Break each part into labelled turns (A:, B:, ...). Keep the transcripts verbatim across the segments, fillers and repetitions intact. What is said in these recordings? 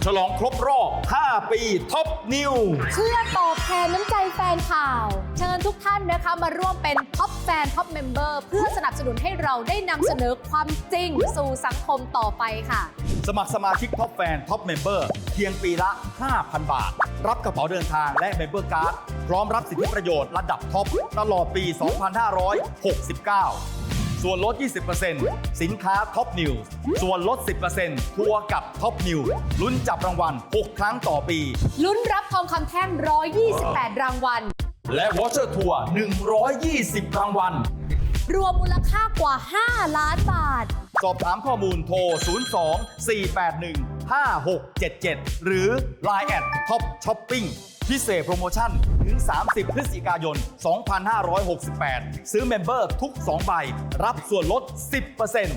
A: ฉลองครบรอบ ห้า ปีท็อปนิว
B: เพื่อตอบแทนน้ำใจแฟนข่าว เชิญทุกท่านนะคะมาร่วมเป็นท็อปแฟนท็อปเมมเบอร์เพื่อสนับสนุนให้เราได้นำเสนอความจริงสู่สังคมต่อไปค่ะ
A: สมัครสมาชิกท็อปแฟนท็อปเมมเบอร์เพียงปีละ ห้าพัน บาท รับกระเป๋าเดินทางและเมมเบอร์การ์ดพร้อมรับสิทธิประโยชน์ระดับท็อปตลอดปี สองพันห้าร้อยหกสิบเก้า ส่วนลด ยี่สิบเปอร์เซ็นต์ สินค้าท็อปนิวส์ส่วนลด สิบเปอร์เซ็นต์ ทัวร์กับท็อปนิวส์ลุ้นจับรางวัล หก ครั้งต่อปี
B: ลุ้นรับทองคำแท่ง หนึ่งร้อยยี่สิบแปด รางวัล
A: และวอเชอร์ทัวร์ หนึ่งร้อยยี่สิบ รางวัล
B: รวมมูลค่ากว่า ห้า ล้านบาท
A: สอบถามข้อมูลโทร ศูนย์ สอง สี่ แปด หนึ่ง ห้า หก เจ็ด เจ็ด หรือ ไลน์ แอท ท็อปช้อปปิ้ง พิเศษโปรโมชั่นถึง สามสิบ พฤศจิกายน สองพันห้าร้อยหกสิบแปด ซื้อเมมเบอร์ทุก สอง ใบ รับส่วนลด สิบเปอร์เซ็นต์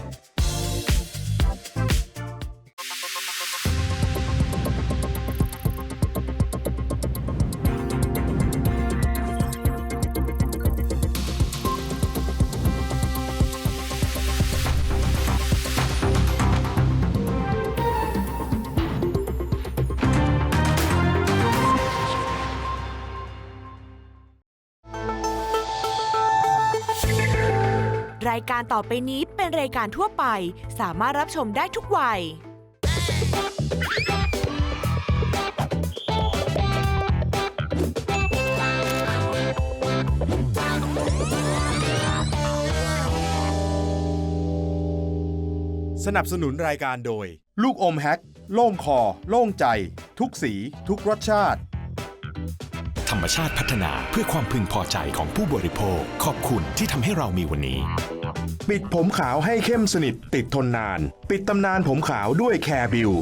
C: รายการต่อไปนี้เป็นรายการทั่วไปสามารถรับชมได้ทุกวัย
D: สนับสนุนรายการโดยลูกอมแฮกโล่งคอโล่งใจทุกสีทุกรสชาติ
E: ธรรมชาติพัฒนาเพื่อความพึงพอใจของผู้บริโภคขอบคุณที่ทำให้เรามีวันนี้
D: ปิดผมขาวให้เข้มสนิทติดทนนานปิดตำนานผมขาวด้วยแคร์บิว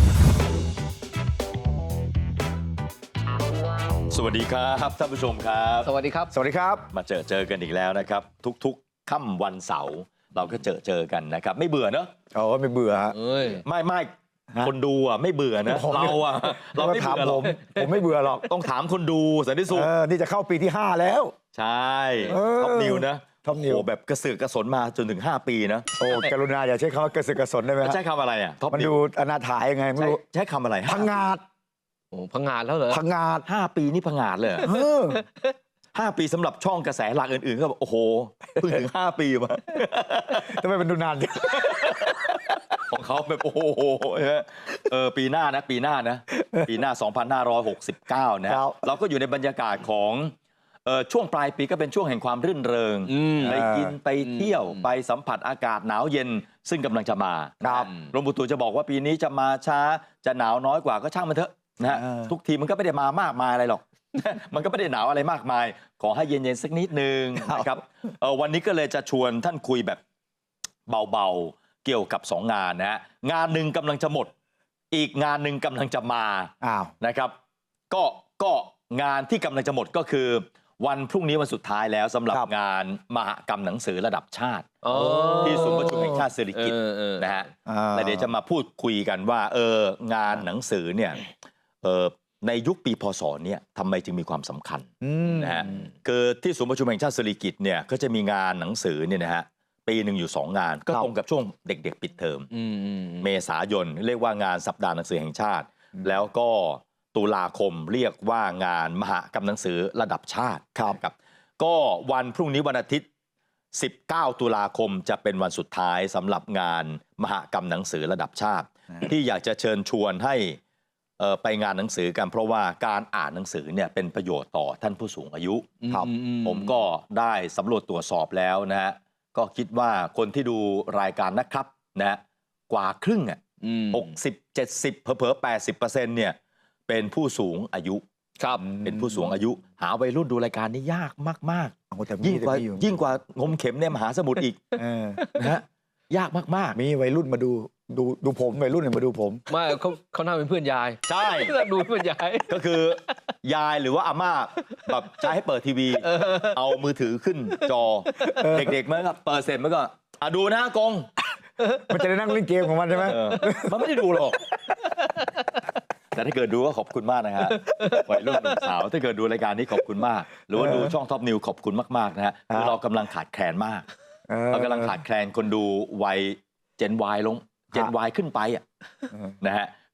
A: สวัสดีครับท่านผู้ชมครับ
F: สวัสดีครับ
G: สวัสดีครับ
A: มาเจอเจอกันอีกแล้วนะครับทุกๆค่ำวันเสาร์เราก็เจอเจอกันนะครับไม่เบื่อเนอะ
G: โอ้ไม่เบื่อฮะ
A: ไม่ไม่คนดูอ่ะไม่เบื่อนะเราอ่ะเราไม่เบื่อหรอก
G: ผมไม่เบื่อหรอก
A: ต้องถามคนดูสันติสุข
G: นี่จะเข้าปีที่ห้าแล้ว
A: ใช่ท็อปนิวนะ
G: ท็อปนิว
A: โอ้แบบกระสือกระสนมาจนถึงห้าปีนะ
G: โอ้กรุณาอย่าใช้คำว่ากระสือกระสนได้ไหม
A: ใช้คำอะไรอ่ะ
G: มันดูอนาถายยังไงไม่รู้
A: ใช้คำอะไร
G: พังงาด
F: โอ้พังงาดแล้วเหรอ
G: พังงาด
A: ห้าปีนี่พังงาดเลยห้าปีสำหรับช่องกระแสหลักอื่นๆก็แบบโอ้โหเพิ่งถึงห้าปีมา
G: ทำไมมันดูนาน
A: ของเขาแบบโอ้โหเออปีหน้านะปีหน้านะปีหน้าสองพันห้าร้อยหกสิบเก้านะเราก็อยู่ในบรรยากาศของเออช่วงปลายปีก็เป็นช่วงแห่งความรื่นเริงไปกินไปเที่ยวไปสัมผัสอากาศหนาวเย็นซึ่งกำลังจะมา
G: ครับ
A: กรมอุตุจะบอกว่าปีนี้จะมาช้าจะหนาวน้อยกว่าก็ช่างมันเถอะนะฮะทุกทีมันก็ไม่ได้มามากมายอะไรหรอกมันก็ไม่ได้หนาวอะไรมากมายขอให้เย็นๆสักนิดนึงนะครับวันนี้ก็เลยจะชวนท่านคุยแบบเบาๆเกี่ยวกับสองงานนะฮะงานหนึ่งกำลังจะหมดอีกงานหนึ่งกำลังจะมา
G: อ้าว
A: นะครับก็ก็งานที่กำลังจะหมดก็คือวันพรุ่งนี้วันสุดท้ายแล้วสำหรับงานมหกรรมหนังสือระดับชาติที่ศูนย์ประชุมแห่งชาติสิริกิติ์นะฮะแล้วเดี๋ยวจะมาพูดคุยกันว่าเอองานหนังสือเนี่ยเออในยุคปีพศเนี่ยทำไมจึงมีความสำคัญนะฮะคือที่ศูนย์ประชุมแห่งชาติสิริกิติ์เนี่ยก็จะมีงานหนังสือเนี่ยนะฮะปีหนึ่งอยู่สองงานก็ตรงกับช่วงเด็กๆปิดเทอมเมษายนเรียกว่างานสัปดาห์หนังสือแห่งชาติแล้วก็ตุลาคมเรียกว่างานมหกรรมหนังสือระดับชาติครับก็วันพรุ่งนี้วันอาทิตย์สิบเก้าตุลาคมจะเป็นวันสุดท้ายสำหรับงานมหกรรมหนังสือระดับชาติที่อยากจะเชิญชวนให้ไปงานหนังสือกันเพราะว่าการอ่านหนังสือเนี่ยเป็นประโยชน์ต่อท่านผู้สูงอายุครับผมก็ได้สำรวจตรวจสอบแล้วนะฮะก็คิดว่าคนที่ดูรายการนะครับนะกว่าครึ่งอ่ะหกสิบเจ็ดสิบเผลอๆแปดสิบเปอร์เซ็นต์เนี่ยเป็นผู้สูงอายุ
F: ครับ
A: เป็นผู้สูงอายุหาวัยรุ่นดูรายการนี้ยากมากๆยิ่งกว่ายิ่งกว่างมเข็มในมหาสมุทรอีกนะฮะยากมาก
G: ๆมีวัยรุ่นมาดูดูดูผมวัยรุ่นเนี่ยมาดูผม
F: ไม่เขาเขาน่าเป็นเพื่อนยาย
A: ใช่
F: ดูเพื่อนยาย
A: ก็คือยายหรือว่าอาม่าแบบใช้ให้เปิดทีวีเอามือถือขึ้นจอเด็กๆมันก็เปิดเสร็จมันก็อ่ะดูนะกง
G: มันจะได้นั่งเล่นเกมของมันใช่ไหม
A: มันไม่ได้ดูหรอกแต่ถ้าเกิดดูก็ขอบคุณมากนะฮะวัยรุ่นสาวถ้าเกิดดูรายการนี้ขอบคุณมากหรือว่าดูช่องท็อปนิวขอบคุณมากๆนะฮะคือเรากำลังขาดแคลนมากเรากำลังขาดแคลนคนดูวัยเจน Y ลงเจน Y ขึ้นไปอ่ะนะฮะ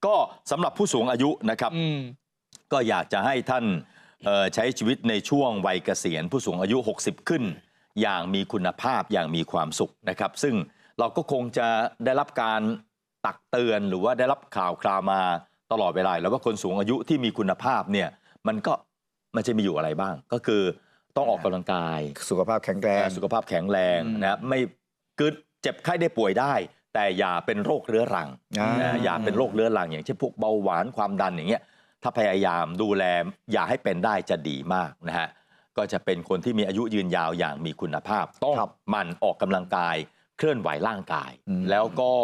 A: ก็สำหรับผู้สูงอายุนะครับ ก็อยากจะให้ท่านใช้ชีวิตในช่วงวัยเกษียณผู้สูงอายุหกสิบขึ้นอย่างมีคุณภาพอย่างมีความสุขนะครับซึ่งเราก็คงจะได้รับการตักเตือนหรือว่าได้รับข่าวคราวมาตลอดเวลาแล้วว่าคนสูงอายุที่มีคุณภาพเนี่ยมันก็มันจะมีอยู่อะไรบ้างก็คือต้องออกกำลังกาย
G: สุขภาพแข็งแรง
A: สุขภาพแข็งแรงนะครับไม่เกิดเจ็บไข้ได้ป่วยได้แต่อย่าเป็นโรคเรื้อรังนะอย่าเป็นโรคเรื้อรังอย่างเช่นพวกเบาหวานความดันอย่างเงี้ยถ้าพยายามดูแลอย่าให้เป็นได้จะดีมากนะฮะก็จะเป็นคนที่มีอายุยืนยาวอย่างมีคุณภาพต้องหมั่นออกกำลังกายเคลื่อนไหวร่างกายแล้วก็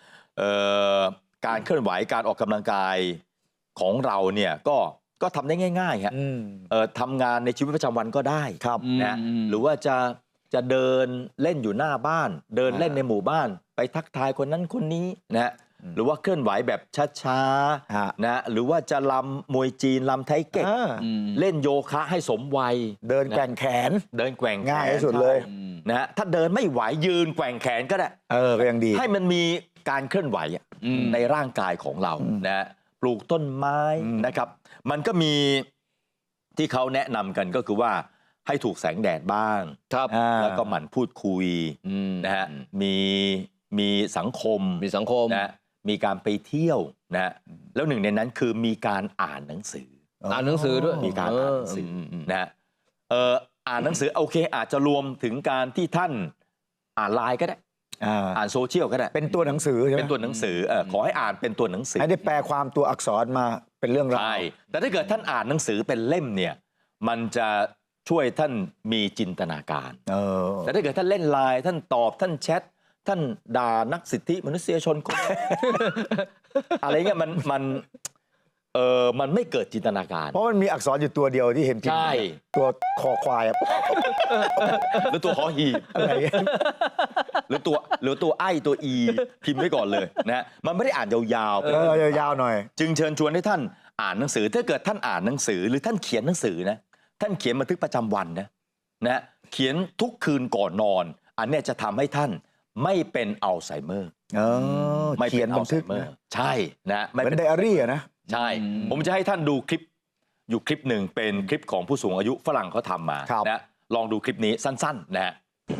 A: การเคลื่อนไหวการออกกำลังกายของเราเนี่ยก็ก็ทำได้ง่ายๆฮะทำงานในชีวิตประจำวันก็ได้นะหรือว่าจะจะเดินเล่นอยู่หน้าบ้านเดินเล่นในหมู่บ้านไปทักทายคนนั้นคนนี้นะหรือว่าเคลื่อนไหวแบบช้าๆนะหรือว่าจะลำมวยจีนลำไทเก๊กเล่นโยคะให้สมวัย
G: เดินแกว่งแขน
A: เดินแกว่ง
G: ง่ายที่สุดเลย
A: นะถ้าเดินไม่ไหวยืนแกว่งแขนก็ได้
G: เออก็ยังดี
A: ให้มันมีการเคลื่อนไหวในร่างกายของเรานะปลูกต้นไม้นะครับมันก็มีที่เขาแนะนำกันก็คือว่าให้ถูกแสงแดดบ้างแล้วก็หมั่นพูดคุยนะฮะมีมีสังคม
F: มีสังคม
A: นะมีการไปเที่ยวนะแล้วหนึ่งในนั้นคือมีการอ่านหนังสือ
F: อ่านหนังสือด้วย
A: มีการอ่านหนังสือนะเอออ่านหนังสือโอเคอาจจะรวมถึงการที่ท่านอ่านไลน์ก็ได้อ่านโซเชียลก็ได้
G: เป็นตัวหนังสือใช่ไหม
A: เป็นตัวหนังสือเออขอให้อ่านเป็นตัวหนังสือ
G: ให้ได้แปลความตัวอักษรมาเป็นเรื่องราว
A: ใช่แต่ถ้าเกิดท่านอ่านหนังสือเป็นเล่มเนี่ยมันจะช่วยท่านมีจินตนาการแต่ถ้าเกิดท่านเล่นไลน์ท่านตอบท่านแชทท่านด่านักสิทธิมนุษยชนคน อะไรเงี้ยมันมันเออมันไม่เกิดจินตนาการ
G: เพราะมันมีอักษรอยู่ตัวเดียวที่เห็นพิมพ์
A: ใช่
G: ตัวคอควาย
A: หรือตัวหอหีบอะไรหรือตัวหรือตัวไอตัวอีพิมพ์ไว้ก่อนเลยนะมันไม่ได้อ่านยาวๆ
G: เออยาวๆหน่อย
A: จึงเชิญชวนให้ท่านอ่านหนังสือถ้าเกิดท่านอ่านหนังสือหรือท่านเขียนหนังสือนะท่านเขียนบันทึกประจำวันนะนะเขียนทุกคืนก่อนนอนอันนี้จะทำให้ท่านไม่เป็นอัลไซเมอร์
G: ไม่เขียนบันทึก
A: ใช่นะ
G: ไม่เป็นไดอารี่นะ
A: ใช่ผมจะให้ท่านดูคลิปอยู่คลิปหนึ่งเป็นคลิปของผู้สูงอายุฝรั่งเขาทำมานะลองดูคลิปนี้สั้นๆนะฮะ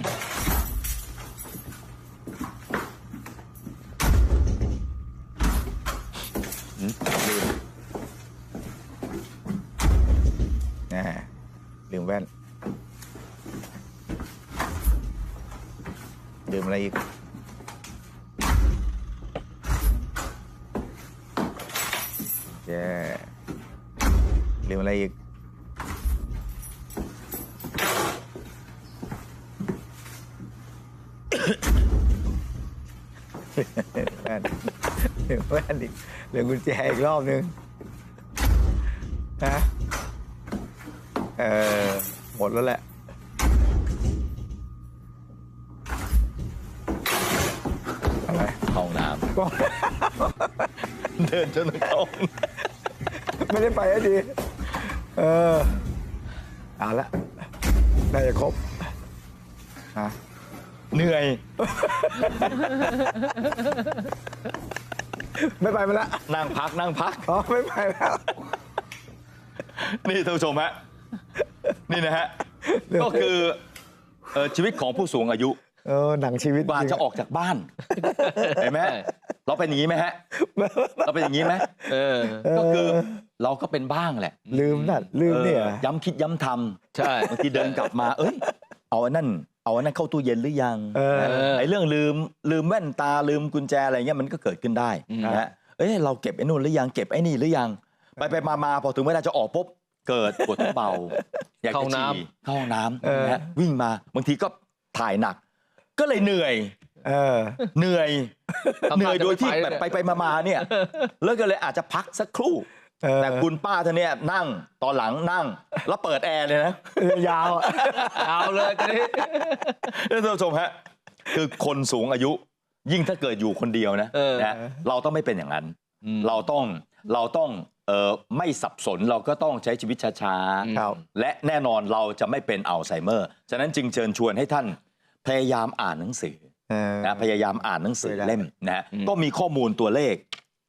G: ลืมแว่นลืมอะไรอีกแย่ลืมอะไรอีกแว่นลืมแว่นอีกลืมกุญแจอีกรอบนึงฮะเออหมดแล้วแหละ
A: อะไรห้องน้ำเดินจนถึงห้อง
G: ไม่ได้ไปให้ดีเออเอาละน่าจะครบฮะ
A: เหนื่อย
G: ไม่ไปมาละ
A: นั่งพักนั่งพัก
G: อ๋อไม่ไปแล้ว
A: นี่ท่านผู้ชมฮะนี่นะฮะก็คือชีวิตของผู้สูงอายุ
G: เออหนังชีวิต
A: กว่าจะออกจากบ้านเห็นไหมเราเป็นอย่างนี้ไหมฮะเราเป็นอย่างนี้ไหมเออก็คือเราก็เป็นบ้างแหละ
G: ลืมนั่นลืมเนี่ย
A: ย้ำคิดย้ำท
F: ำใช่
A: บางทีเดินกลับมาเอ้ยเอาอันนั้นเอาอันนั้นเข้าตู้เย็นหรือยังไอ้เรื่องลืมลืมแว่นตาลืมกุญแจอะไรเงี้ยมันก็เกิดขึ้นได้นะฮะเอ้ยเราเก็บไอ้นู่นหรือยังเก็บไอ้นี่หรือยังไปไปมามาพอถึงเวลาจะออกปุ๊บเกิดปวดท้องเบาอยากจะฉี่เข้าห้องน้ำนะวิ่งมาบางทีก็ถ่ายหนักก็เลยเหนื่อยเหนื่อยเหนื่อยโดยที่แบบไปไปมาๆเนี่ยแล้วก็เลยอาจจะพักสักครู่แต่คุณป้าท่านเนี่ยนั่งตอนหลังนั่งแล้วเปิดแอร์เลยนะ
G: ยาวย
F: าวเลยกันนี้
A: ท่านผู้ชมฮะคือคนสูงอายุยิ่งถ้าเกิดอยู่คนเดียวนะนะเราต้องไม่เป็นอย่างนั้นเราต้องเราต้องเอ่อไม่สับสนเราก็ต้องใช้ชีวิตช้าๆและแน่นอนเราจะไม่เป็นอัลไซเมอร์ฉะนั้นจึงเชิญชวนให้ท่านพยายามอ่านหนังสือนะพยายามอ่านหนังสือเล่มนะก็มีข้อมูลตัวเลข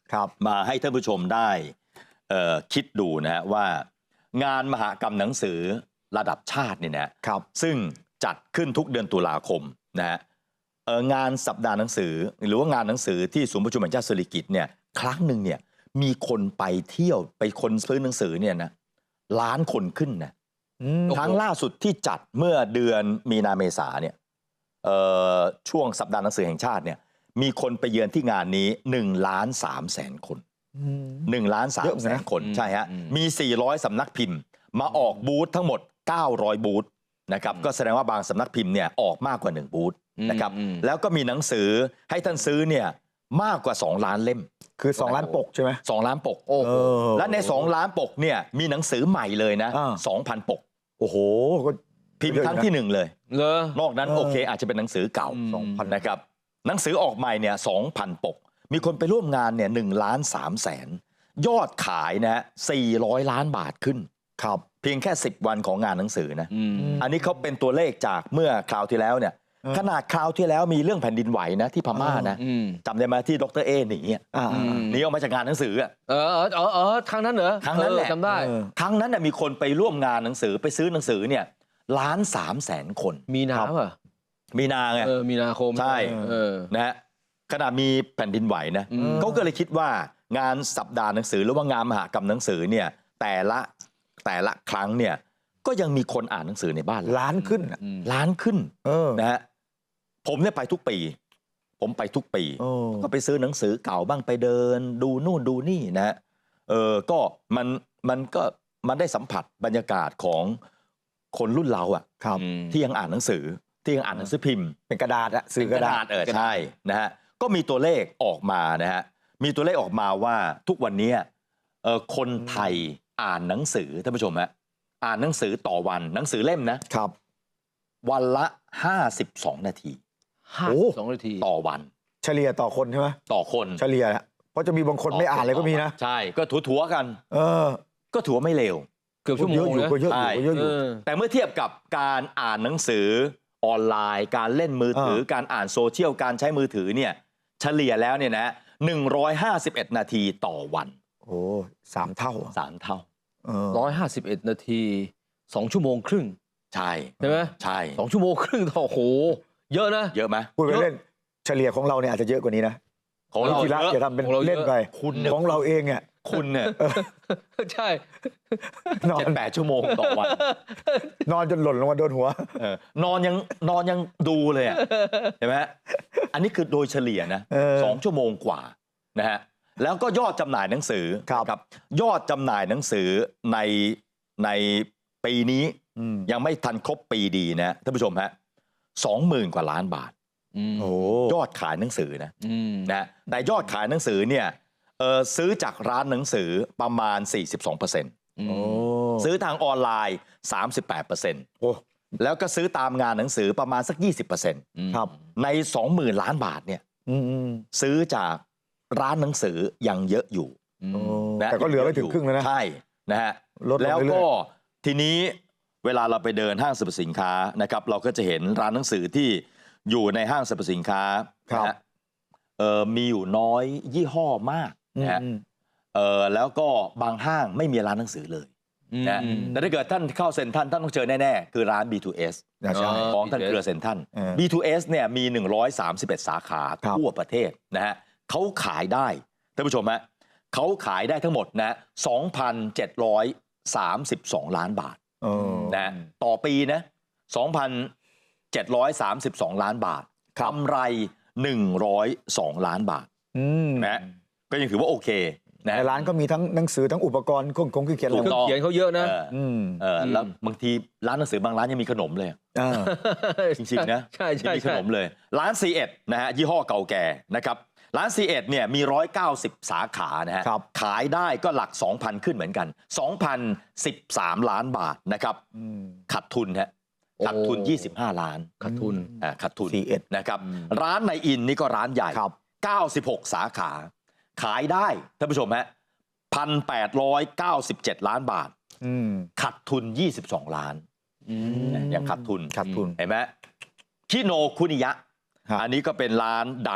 G: ครับ
A: มาให้ท่านผู้ชมได้เอ่อคิดดูนะฮะว่างานมหกรรมหนังสือระดับชาติเนี่ยนะครับซึ่งจัดขึ้นทุกเดือนตุลาคมนะฮะเอ่องานสัปดาห์หนังสือหรือว่างานหนังสือที่ศูนย์ประชุมแห่งชาติสิริกิติ์เนี่ยครั้งหนึ่งเนี่ยมีคนไปเที่ยวไปคนซื้อหนังสือเนี่ยนะล้านคนขึ้นนะครั้งล่าสุดที่จัดเมื่อเดือนมีนาเมษาเนี่ยเอ่อช่วงสัปดาห์หนังสือแห่งชาติเนี่ยมีคนไปเยือนที่งานนี้หนึ่งล้านสามแสนคนหนึ่งล้านสามแสนคนใช่ฮะมีสี่ร้อยสำนักพิมพ์มาออกบูธทั้งหมดเก้าร้อยบูธนะครับก็แสดงว่าบางสำนักพิมพ์เนี่ยออกมากกว่าหนึ่งบูธนะครับแล้วก็มีหนังสือให้ท่านซื้อเนี่ยมากกว่าสองล้านเล่ม
G: คือสองล้านปกใช่ไหม
A: สองล้านปกโอ้และในสองล้านปกเนี่ยมีหนังสือใหม่เลยนะสองพันปก
G: โอ้โหก็
A: พิมพ์ครั้งที่หนึ่งเลย
F: เหรอน
A: อกนั้นโอเคอาจจะเป็นหนังสือเก่า
G: สองพัน
A: นะครับหนังสือออกใหม่เนี่ยสองพันปกมีคนไปร่วมงานเนี่ยหนึ่งล้านสามแสนยอดขายนะสี่ร้อยล้านบาทขึ้น
G: ครับ
A: เพียงแค่สิบวันของงานหนังสือนะอันนี้เขาเป็นตัวเลขจากเมื่อคราวที่แล้วเนี่ยขนาดคราวที่แล้วมีเรื่องแผ่นดินไหวนะที่พม่านะจำได้ไหมที่ดรเอหนีหนีออกมาจากงานหนังสืออ่ะ
F: เออเออเออครั้งนั้นเหรอ
A: ครั้งนั้นแหละ
F: จำได้
A: ครั้งนั้นมีคนไปร่วมงานหนังสือไปซื้อหนังสือเนี่ยล้านสามแสนคน
F: มีนาป่ะ
A: มีนาไง
F: เออมีนาคม
A: ใช่นะฮะขณะมีแผ่นดินไหวนะเขาก็เลยคิดว่างานสัปดาห์หนังสือหรือว่างานมหกรรมหนังสือเนี่ยแต่ละแต่ละครั้งเนี่ยก็ยังมีคนอ่านหนังสือในบ้าน
G: ล้านขึ้น
A: ล้านขึ้นนะฮะผมเนี่ยไปทุกปีผมไปทุกปีก็ไปซื้อหนังสือเก่าบ้างไปเดินดูนู่นดูนี่นะเออก็มันมันก็มันได้สัมผัสบรรยากาศของคนรุ่นเราอ่ะที่ยังอ่านหนังสือที่ยังอ่านหนังสือพิมพ์
G: เป็นกระดาษอะ
A: สื่อกระดาษเออใช่นะฮะก็มีตัวเลขออกมานะฮะมีตัวเลขออกมาว่าทุกวันนี้เออคนไทยอ่านหนังสือท่านผู้ชมฮะอ่านหนังสือต่อวันหนังสือเล่มนะครับวันละห้าสิบสองนาที
F: ห้าสองนาที
A: ต่อวัน
G: เฉลี่ยต่อคนใช่ไหม
A: ต่อคน
G: เฉลี่ยเพราะจะมีบางคนไม่อ่านเลยก็มีนะ
A: ใช่ก็ถัวๆกัน
G: เออ
A: ก็ถือว่าไม่เลว
F: เกือบชั่วโมง
G: อยู่ก็เยอะอยู่ก็เยอะอยู่
A: แต่เมื่อเทียบกับการอ่านหนังสือออนไลน์การเล่นมือถือการอ่านโซเชียลการใช้มือถือเนี่ยเฉลี่ยแล้วเนี่ยนะหนึ่งร้อยห้าสิบเอ็ดนาทีต่อวัน
G: โอ้สามเท่า
A: สามเท่า
F: ร้อยห้าสิบเอ็ดนาทีสองชั่วโมงครึ่ง
A: ใช่
F: ใช่ไหม
A: ใช่
F: สองชั่วโมงครึ่งต่อโหเยอะนะ
A: เยอะไหม
G: พูดไปเล่นเฉลี่ยของเราเนี่ยอาจจะเยอะกว่านี้นะ
A: ของเรา
G: ทีละอย่าทำเป็นเล่นไป
A: คุณ
G: ของเราเองเนี่ย
A: คุณเนี่ย
F: ใช่
A: นอนแปดชั่วโมงต่อวัน
G: นอนจนหล่นลงมาโดนหั
A: วนอนยังนอนยังดูเลยอ่ะเห็นไหมอันนี้คือโดยเฉลี่ยนะสองชั่วโมงกว่านะฮะแล้วก็ยอดจำหน่ายหนังสือครับยอดจำหน่ายหนังสือในในปีนี้ยังไม่ทันครบปีดีนะท่านผู้ชมฮะสองหมื่นกว่าล้านบาทยอดขายหนังสือนะนะแต่ยอดขายหนังสือเนี่ยเออซื้อจากร้านหนังสือประมาณ สี่สิบสองเปอร์เซ็นต์ ซื้อทางออนไลน์ สามสิบแปดเปอร์เซ็นต์ แล้วก็ซื้อตามงานหนังสือประมาณสัก ยี่สิบเปอร์เซ็นต์ ครับใน สองหมื่นล้านบาทเนี่ยซื้อจากร้านหนังสือยังเยอะอยู่
G: แต่ก็เหลือไม่ถึงครึ่งแล้วนะ
A: ใช่นะฮะแล้วก็ทีนี้เวลาเราไปเดินห้างสรรพสินค้านะครับเราก็จะเห็นร้านหนังสือที่อยู่ในห้างสรรพสินค้านะฮะเอ่อมีอยู่น้อยยี่ห้อมากนะฮะเอ่อแล้วก็บางห้างไม่มีร้านหนังสือเลยนะแต่ถ้าเกิดท่านเข้าเซ็นทรัลท่านต้องเจอแน่ๆคือร้าน บี ทู เอส ของท่านเครือเซ็นทรัล บี ทู เอส เนี่ยมีหนึ่งร้อยสามสิบเอ็ดสาขาทั่วประเทศนะฮะเขาขายได้ท่านผู้ชมฮะเขาขายได้ทั้งหมดนะ สองพันเจ็ดร้อยสามสิบสอง ล้านบาทนะต่อปีนะ สองพันเจ็ดร้อยสามสิบสอง ล้านบาทกำไรหนึ่งร้อยสองล้านบาทนะก็ยังถือว่าโอเคนะ
G: ในร้านก็มีทั้งหนังสือทั้งอุปกรณ์เครื่องคงเครื่องเขียน
F: เครื่องเขียนเขาเยอะนะ
A: เออแล้วบางทีร้านหนังสือบางร้านยังมีขนมเลยจริงๆนะ
F: ใช่ใช่
A: มีขนมเลยร้าน ซี เอ็ด นะฮะยี่ห้อเก่าแก่นะครับร้าน ซี เอ็ด เนี่ยมีหนึ่งร้อยเก้าสิบสาขานะฮะขายได้ก็หลัก สองพัน ขึ้นเหมือนกัน สองพันสิบสาม ล้านบาทนะครับขาดทุนฮะขาดทุนยี่สิบห้าล้าน
F: ขาดทุน
A: อ่าขาดทุน ซี เอ็ด นะครับร้านในอินนี่ก็ร้านใหญ่เก้าสิบหกสาขาขายได้ท่านผู้ชมฮะ หนึ่งพันแปดร้อยเก้าสิบเจ็ด ล้านบาทขาดทุนยี่สิบสองล้านยังขาดทุน
G: ขาดทุน
A: เห็นไหมคิโนคุนิยะอันนี้ก็เป็นร้านดัง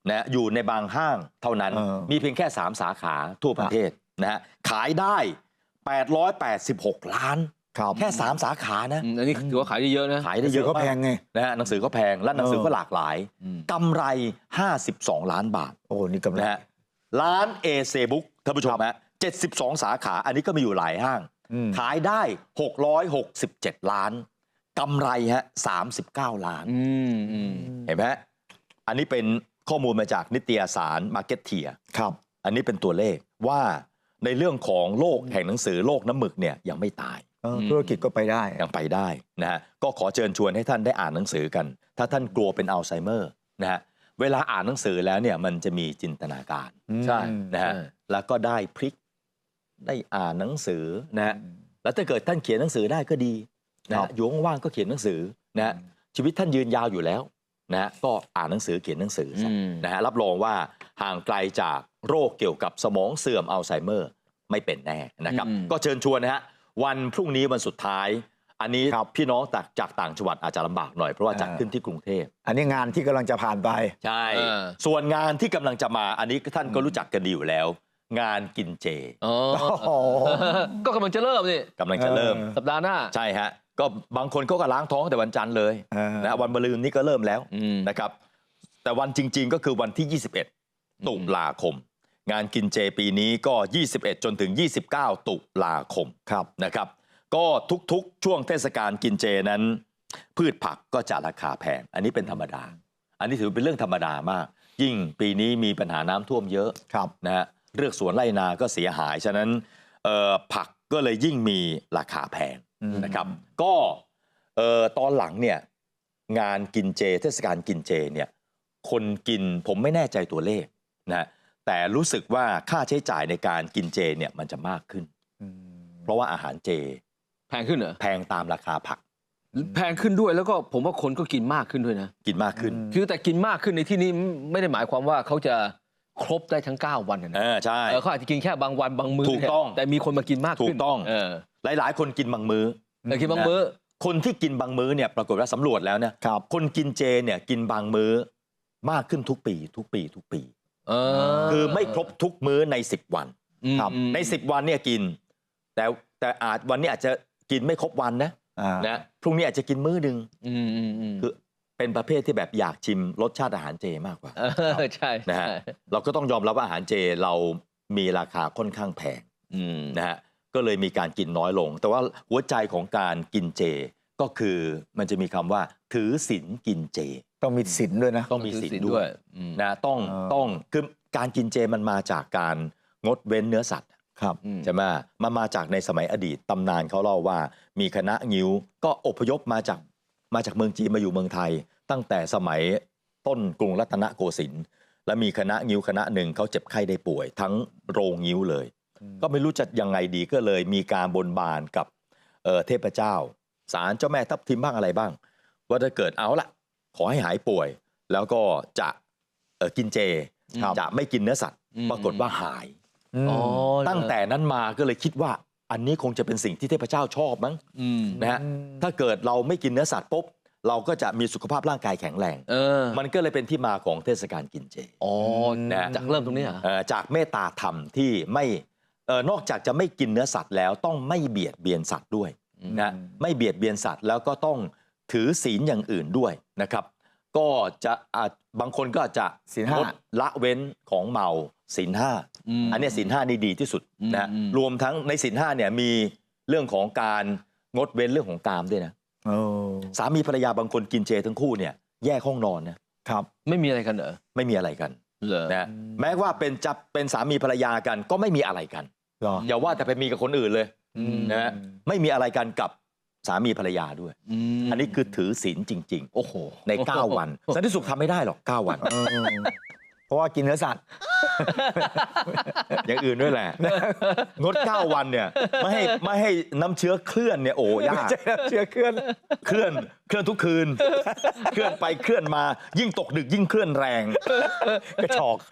A: นะอยู่ในบางห้างเท่านั้น
G: เออ
A: มีเพียงแค่สามสาขาทั่วประเทศนะฮะขายได้แปดร้อยแปดสิบหกล้าน
G: ครับ
A: แค่สามสาขานะ
F: อืมอันนี้ถือว่าขายได้เยอะนะ
A: ขายได้เยอะ
G: ก็แพงไง
A: นะฮะหนังสือก็แพงและหนังสือก็หลากหลาย
F: อืม
A: กำไรห้าสิบสองล้านบาท
G: โอ้นี่กำไร
A: นะฮะร้านเอเซบุ๊กท่านผู้ชมฮะเจ็ดสิบสองสาขาอันนี้ก็มีอยู่หลายห้าง
G: อืม
A: ขายได้หกร้อยหกสิบเจ็ดล้านกำไรฮะสามสิบเก้าล้าน
F: อืมอืม
A: เห็นไหมฮะอันนี้เป็นข้อมูลมาจากนิตยสาร Marketeer
G: ครับ
A: อันนี้เป็นตัวเลขว่าในเรื่องของโลกแห่งหนังสือโลกน้ำหมึกเนี่ยยังไม่ตาย
G: เออธุรกิจก็ไปได้
A: ยังไปได้นะฮะก็ขอเชิญชวนให้ท่านได้อ่านหนังสือกัน ถ้าท่านกลัวเป็นอัลไซเมอร์นะฮะเวลาอ่านหนังสือแล้วเนี่ยมันจะมีจินตนาการ
F: ใช่
A: นะฮะ
F: ใช่
A: แล้วก็ได้พลิกได้อ่านหนังสือนะฮะแล้วถ้าเกิดท่านเขียนหนังสือได้ก็ดีนะ
G: ครั
A: ฮะ
G: บ
A: อยู่ว่างๆก็เขียนหนังสือนะฮะชีวิตท่านยืนยาวอยู่แล้วนะฮะก็อ่านหนังสือเขียนหนังสือซะ
F: อืม
A: นะฮะรับรองว่าห่างไกลจากโรคเกี่ยวกับสมองเสื่อมอัลไซเมอร์ไม่เป็นแน่นะครับ
F: อืม
A: ก็เชิญชวนนะฮะวันพรุ่งนี้วันสุดท้าย อันนี้
G: ครับ
A: พี่น้องจากจากต่างจังหวัดอาจจะลำบากหน่อยเพราะว่า
G: อ่า
A: จัดขึ้นที่กรุงเทพ
G: อันนี้งานที่กำลังจะผ่านไป
A: ใช่
F: เออ
A: ส่วนงานที่กำลังจะมาอันนี้ท่านก็รู้จักกันดีอยู่แล้ว งานกินเจ
F: อ๋อ
G: โอ้โห
F: ก็กำลังจะเริ่มนี่
A: กำลังจะเริ่ม
G: เออ
F: สัปดาห์หน้า
A: ใช่ฮะก็บางคนเขาก็ล้างท้องแต่วันจันทร์เลย
G: เออ
A: นะวันมะรืนนี่ก็เริ่มแล้ว
F: อืม
A: นะครับ แต่วันจริง ๆ ก็คือวันที่ ยี่สิบเอ็ด ตุลาคม งานกินเจปีนี้ก็ ยี่สิบเอ็ด จนถึง ยี่สิบเก้า ตุลาคม
G: ครับ
A: นะครับ ก็ทุกๆ ช่วงเทศกาลกินเจนั้น พืชผักก็จะราคาแพง อันนี้เป็นธรรมดา อันนี้ถือเป็นเรื่องธรรมดามาก ยิ่งปีนี้มีปัญหาน้ำท่วมเยอะ
G: ครับ
A: นะฮะเรือกสวนไร่นาก็เสียหาย ฉะนั้นเอ่อผักก็เลยยิ่งมีราคาแพง
G: อืม
A: นะครับ ก็เอ่อตอนหลังเนี่ยงานกินเจ เทศกาลกินเจเนี่ยคนกินผมไม่แน่ใจตัวเลขนะแต่รู้สึกว่าค่าใช้จ่ายในการกินเจเนี่ยมันจะมากขึ้น
G: อืม
A: เพราะว่าอาหารเจ
F: แพงขึ้นเหรอ
A: แพงตามราคาผัก
F: แพงขึ้นด้วยแล้วก็ผมว่าคนก็กินมากขึ้นด้วยนะ
A: กินมากขึ้น
F: คือแต่กินมากขึ้นในที่นี้ไม่ได้หมายความว่าเขาจะครบได้ทั้งเก้าวันนะ
A: เออใช่
F: เออเขาอาจจะกินแค่บางวันบางมื้อ
A: ถูกต้อง
F: แต่มีคนมากินมากขึ้น
A: ถูกต้อง
F: เออ
A: หลาย ๆ คนกินบางมื้อ
F: แต่กินบางมื้อ
A: คนที่กินบางมื้อเนี่ยปรากฏว่าสำรวจแล้วเนี่ย
G: ครับ
A: คนกินเจเนี่ยกินบางมื้อมากขึ้นทุกปี ทุกปี ทุกปี
F: เออ
A: คือไม่ครบทุกมื้อในสิบวัน
F: อืม
G: ครับ
F: อืม
A: ในสิบวันเนี่ยกิน แต่แต่อาจวันนี้อาจจะกินไม่ครบวันนะ
G: อ่า
A: นะพรุ่งนี้อาจจะกินมื้อหนึ่ง
F: อืมอืมอืม
A: คือเป็นประเภทที่แบบอยากชิมรสชาติอาหารเจมากกว่า
F: เออใช่
A: นะฮะ
F: ใช่
A: เราก็ต้องยอมรับว่าอาหารเจเรามีราคาค่อนข้างแพง
F: อืม
A: นะฮะก็เลยมีการกินน้อยลง แต่ว่าหัวใจของการกินเจก็คือมันจะมีคำว่าถือศีลกินเจ
G: ต้องมีศีลด้วยนะ
A: ต้องมีศีลด้วย
F: อืม
A: นะต้อง
G: เออ
A: ต้องคือการกินเจมันมาจากการงดเว้นเนื้อสัตว์
G: ครับ
F: อืม
A: ใช่ไหมมันมาจากในสมัยอดีตตำนานเขาเล่าว่ามีคณะงิ้วก็อพยพมาจากมาจากเมืองจีนมาอยู่เมืองไทย ตั้งแต่สมัยต้นกรุงรัตนโกสินทร์และมีคณะงิ้วคณะหนึ่งเขาเจ็บไข้ได้ป่วย ทั้งโรงงิ้วเลย ก็ไม่รู้จะยังไงดีก็เลยมีการบนบานกับเอ่อเทพเจ้าศาลเจ้าแม่ทับทิมบ้างอะไรบ้าง ว่าถ้าเกิดเอาละขอให้หายป่วย แล้วก็จะเอ่อกินเจ
F: ครับ
A: จะไม่กินเนื้อสัตว์
F: อืม
A: ปรากฏว่าหาย
F: อ๋อ
A: ตั้งแต่นั้นมาก็เลยคิดว่าอันนี้คงจะเป็นสิ่งที่เทพเจ้าชอบมั้ง
F: อืม
A: นะฮะถ้าเกิดเราไม่กินเนื้อสัตว์ปุ๊บเราก็จะมีสุขภาพร่างกายแข็งแรง
F: เออ
A: มันก็เลยเป็นที่มาของเทศกาลกินเจ
F: อ๋อ
A: นะ
F: จากเริ่มตรงนี้เหรอ
A: เอ่อจากเมตตาธรรมที่ไม่เอ่อนอกจากจะไม่กินเนื้อสัตว์แล้วต้องไม่เบียดเบียนสัตว์ด้วยนะไม่เบียดเบียนสัตว์แล้วก็ต้องถือศีลอย่างอื่นด้วยนะครับ ก็จะอาจบางคนก็อาจจะ
G: ศีลห้า
A: งดละเว้นของเมาศีลห้า
F: อืม
A: อันเนี้ยศีลห้านี่ดีที่สุดนะ
F: อืม
A: รวมทั้งในศีลห้าเนี่ยมีเรื่องของการงดเว้นเรื่องของกามด้วยนะ
G: โอ้
A: สามีภรรยาบางคนกินเจทั้งคู่เนี่ยแยกห้องนอนนะครับ
F: ไม่มีอะไรกันเหรอ
A: ไม่มีอะไรกัน
F: เหรอ
A: นะแม้ว่าเป็นจะเป็นสามีภรรยากันก็ไม่มีอะไรกัน
G: เหรอ
A: อย่าว่าแต่ไปมีกับคนอื่นเลย
F: อืม
A: นะฮะไม่มีอะไรกันกับสามีภรรยาด้วย
F: ม
A: อันนี้คือถือศีลจริง
F: โอ้โห
A: ๆ ใน เก้า วันสันติสุขทำไม่ได้หรอกเก้าวัน
G: เออเพราะว่ากินเนื้อสัตว์
A: อย่างอื่นด้วยแหละ งดเก้าวันเนี่ยไม่ให้ไม่ให้น้ำเชื้อเคลื่อนเนี่ยโอ้ยาก
G: ไม่ใช่น้ำเชื้อเคลื่อน
A: เคลื่อนเคลื่อนทุกคืน เคลื่อนไปเคลื่อนมายิ่งตกดึกยิ่งเคลื่อนแรง
G: กระชอก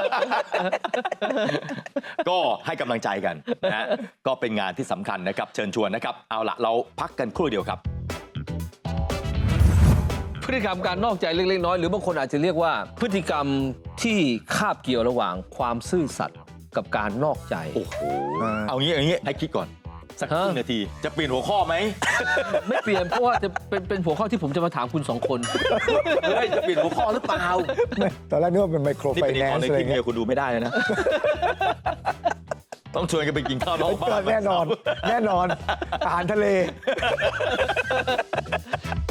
A: ก็ให้กำลังใจกันนะฮะก็เป็นงานที่สำคัญนะครับ เชิญชวนนะครับ เอาละเราพักกันครู่เดียวครับ
F: พฤติกรรมการนอกใจเล็กๆน้อยๆหรือบางคนอาจจะเรียกว่าพฤติกรรมที่คาบเกี่ยวระหว่างความซื่อสัตย์กับการนอกใจ
A: โอ้โหเอางี้เอางี้ให้คิดก่อนสักครึ่งนาทีจะเปลี่ยนหัวข้อไหม
F: ไม่เปลี่ยนเพราะว่าจะเป็นเป็นหัวข้อที่ผมจะมาถามคุณสองคน
A: เฮ้ยจะเปลี่ยนหัวข้อหรือเปล่า
G: ตอนแรกนึกว่าเป็นไมโคร
A: นี่
G: ไฟ
A: เป็น
G: แน
A: ต
G: น
A: อน
G: ซ์
A: ใน
G: อะไร
A: คลิป
G: เงี้
A: เนี่ย ยคุณดูไม่ได้เลยนะ ต้องชวนกันไปกินข้าวนอกบ้าน
G: แน่นอน แน่นอนอาหารทะเล